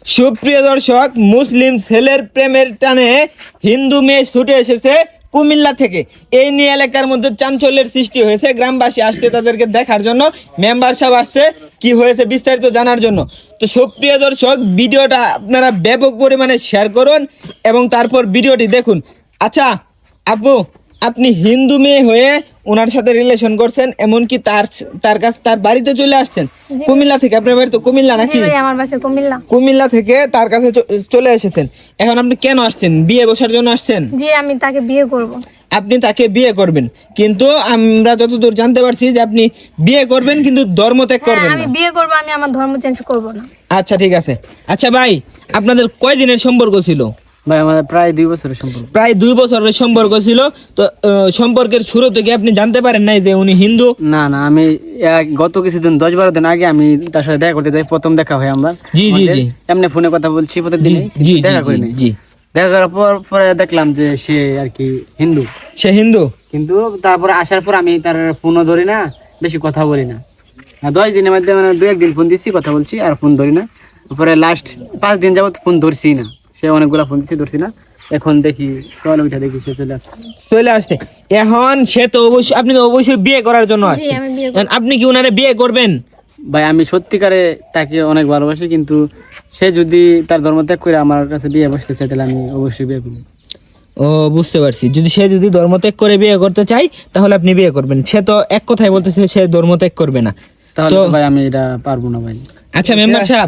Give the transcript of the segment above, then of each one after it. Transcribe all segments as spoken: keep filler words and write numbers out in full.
সুপ্রিয় দর্শক, মুসলিম ছেলের প্রেমের টানে হিন্দু মেয়ে ছুটে এসেছে কুমিল্লা থেকে। এই নিয়ে এলাকার মধ্যে চাঞ্চল্যের সৃষ্টি হয়েছে। গ্রামবাসী আসছে তাদেরকে দেখার জন্য, মেম্বার সাহেব আসছে কি হয়েছে বিস্তারিত জানার জন্য। তো সুপ্রিয় দর্শক, ভিডিওটা আপনারা ব্যাপক পরিমাণে শেয়ার করুন এবং তারপর ভিডিওটি দেখুন। আচ্ছা আপু, আপনি হিন্দু মেয়ে হয়ে ওনার সাথে রিলেশন করছেন, এমনকি তার তার কাছে তার বাড়িতে চলে আসছেন কুমিল্লা থেকে। আপনার বাড়ি তো কুমিল্লা নাকি? আমার বাসা কুমিল্লা। কুমিল্লা থেকে তার কাছে চলে এসেছেন। এখন আপনি কেন আসছেন? বিয়ে বসার জন্য আসছেন? জি, আমি তাকে বিয়ে করব। আপনি তাকে বিয়ে করবেন, কিন্তু আমরা যতদূর জানতে পারছি যে আপনি বিয়ে করবেন কিন্তু ধর্ম ত্যাগ করবেন না। আমি বিয়ে করব, আমি আমার ধর্ম চেঞ্জ করব না। আচ্ছা ঠিক আছে। আচ্ছা ভাই, আপনাদের কয় দিনের সম্পর্ক ছিল? ভাই আমাদের প্রায় দুই বছরের সম্পর্ক। প্রায় দুই বছরের সম্পর্ক ছিল। তো সম্পর্কের শুরু থেকে আপনি জানতে পারেন নাই যে উনি হিন্দু? না না, আমি এক- গত কিছুদিন দশ বারো দিন আগে আমি তার সাথে দেখা করতে যাই। প্রথম দেখা হয় আমরা। জি জি জি এমনি ফোনে কথা বলছি প্রতিদিন, জি দেখা করি নাই। জি দেখা করার পর পরে দেখলাম যে সে আর কি হিন্দু। সে হিন্দু? কিন্তু তারপরে আসার পর আমি তার ফোনও ধরি না, বেশি কথা বলি না। আর দশ দিনের মধ্যে মানে দু একদিন ফোন দিচ্ছি, কথা বলছি, আর ফোন ধরি না। তারপরে লাস্ট পাঁচ দিন যাবত ফোন ধরছি না। সে অনেকগুলা ফোন দিচ্ছি, ধরছি না। এখন দেখি সকালে উঠে দেখি সে চলে আসছে চলে আসছে এখন সে তো অবশ্যই, আপনি তো অবশ্যই বিয়ে করার জন্য জি, আসছেন। আমি বিয়ে এখন আপনি কি উনারে বিয়ে করবেন? ভাই আমি সত্যিকারে তাকে অনেক ভালোবাসি, কিন্তু সে যদি তার ধর্ম ত্যাগ করে আমার কাছে বিয়ে বসতে চায় তাহলে আমি অবশ্যই বিয়ে করবো। ও বুঝতে পারছি। যদি সে যদি ধর্মত্যাগ করে বিয়ে করতে চাই তাহলে আপনি বিয়ে করবেন। সে তো এক কথাই বলতেছে সে ধর্মত্যাগ করবে না। তাহলে তো তো ভাই আমি এটা পারবো না ভাই। আচ্ছা মেম্বার সাহেব,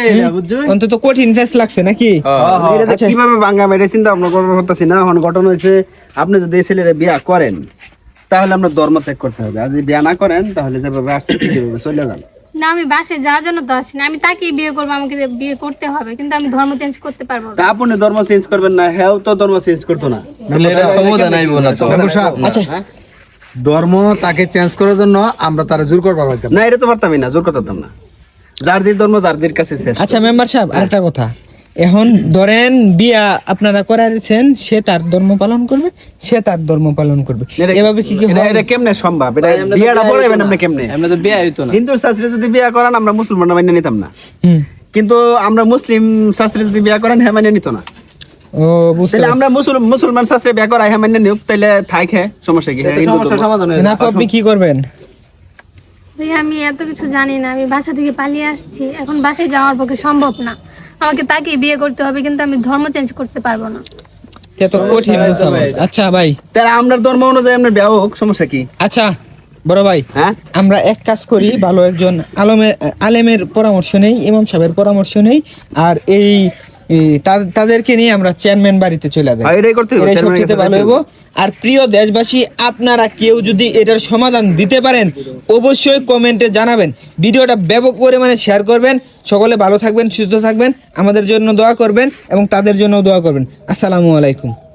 হুম, অন্তত কঠিন ফেস লাগছে নাকি? আচ্ছা, কিভাবে ভাঙা মেরে চিন্তা ভাবনা করবো করতেছি না। এখন ঘটনা হয়েছে, আপনি যদি এই ছেলেরা বিয়া করেন তাহলে আপনার ধর্ম ত্যাগ করতে হবে, আর যদি বিয়া না করেন তাহলে যেভাবে আসছে ঠিকভাবে চলে যান। না, আমি বাসে যাওয়ার জন্য তো আসি না। আমি তাকেই বিয়ে করব, আমাকে যে বিয়ে করতে হবে, কিন্তু আমি ধর্ম চেঞ্জ করতে পারবো তা না। আপনি ধর্ম চেঞ্জ করবেন না, হ্যাঁ তো ধর্ম চেঞ্জ করতো না। আচ্ছা ধর্ম তাকে চেঞ্জ করার জন্য আমরা তারা জোর করবার পারতাম না, এটা তো পারতামই না, জোর করতাম না। যার যে ধর্ম যার যের কাছে শেষ। আচ্ছা মেম্বার সাহেব, আরেকটা কথা। এখন ধরেন বিয়া আপনারা করাইছেন, সে তার ধর্ম পালন করবে, সে তার ধর্ম পালন করবে, এটা- এভাবে কি কি এটা- হয়? এটা কেমনে সম্ভব? এটা বিয়াটা পড়াইবেন আপনি কেমনে? আমরা তো বিয়ে হইতো না। হিন্দু শাস্ত্রে যদি বিয়া করেন আমরা মুসলমানরা মেনে নিতাম না, হুম, কিন্তু আমরা মুসলিম শাস্ত্রে যদি বিয়া করেন হ্যাঁ মেনে নিত না। ও বুঝতে তাহলে পারছি। আমরা মুসলমান মুসলমান শাস্ত্রে বিয়া করাই হ্যাঁ মেনে নিউক, তাহলে থাই খে সমস্যা কি? হ্যাঁ, হিন্দু ধর্ম। না, আপনি কি করবেন? ভাই আমি এত কিছু জানি না। আমি বাসা থেকে পালিয়ে আসছি, এখন বাসায় যাওয়ার পক্ষে সম্ভব না। আমাকে তাকেই বিয়ে করতে হবে, কিন্তু আমি ধর্ম চেঞ্জ করতে পারবো না। এত কঠিন কথা ভাই। আচ্ছা ভাই, তাহলে আমরা ধর্ম অনুযায়ী আমরা বিয়া হোক, সমস্যা কি? আচ্ছা বড় ভাই, হ্যাঁ আমরা এক কাজ করি, ভালো একজন আলমের আলেমের পরামর্শ নেই, ইমাম সাহেবের পরামর্শ নেই, আর এই এই তা- তাদেরকে নিয়ে আমরা চেয়ারম্যান বাড়িতে চলে যাই। হ্যাঁ, এটাই করতে হবে, এটাই চেয়ারম্যানের সবচেয়ে কাছে ভালো যাইতে হইব। আর প্রিয় দেশবাসী, আপনারা কেউ যদি এটার সমাধান দিতে পারেন অবশ্যই কমেন্টে জানাবেন। ভিডিওটা ব্যাপক পরিমাণে শেয়ার করবেন। সকলে ভালো থাকবেন, সুস্থ থাকবেন, আমাদের জন্য দোয়া করবেন এবং তাদের জন্য দোয়া করবেন। আসসালামু আলাইকুম।